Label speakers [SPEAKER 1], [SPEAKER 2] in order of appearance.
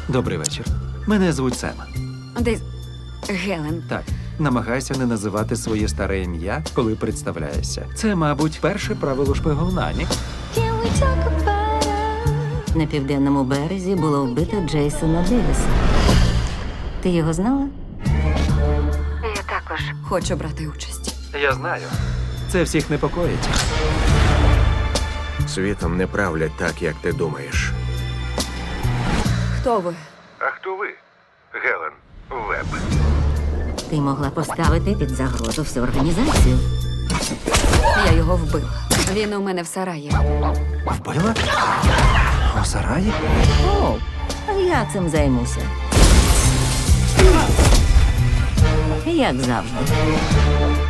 [SPEAKER 1] Добрий вечір. Мене звуть Сем.
[SPEAKER 2] Десь Гелен.
[SPEAKER 1] Так, намагайся не називати своє старе ім'я, коли представляєшся. Це, мабуть, перше правило шпигуна, ні?
[SPEAKER 3] На південному березі було вбито Джейсона Девіса. Ти його знала?
[SPEAKER 2] Я також хочу брати участь.
[SPEAKER 1] Я знаю. Це всіх непокоїть.
[SPEAKER 4] Світом не правлять так, як ти думаєш.
[SPEAKER 2] Хто ви?
[SPEAKER 4] А хто ви? Гелен Веб.
[SPEAKER 3] Ти могла поставити під загрозу всю організацію.
[SPEAKER 2] Я його вбила. Він у мене в сараї.
[SPEAKER 1] Вбила? У сараї?
[SPEAKER 3] О, я цим займуся. Як завжди.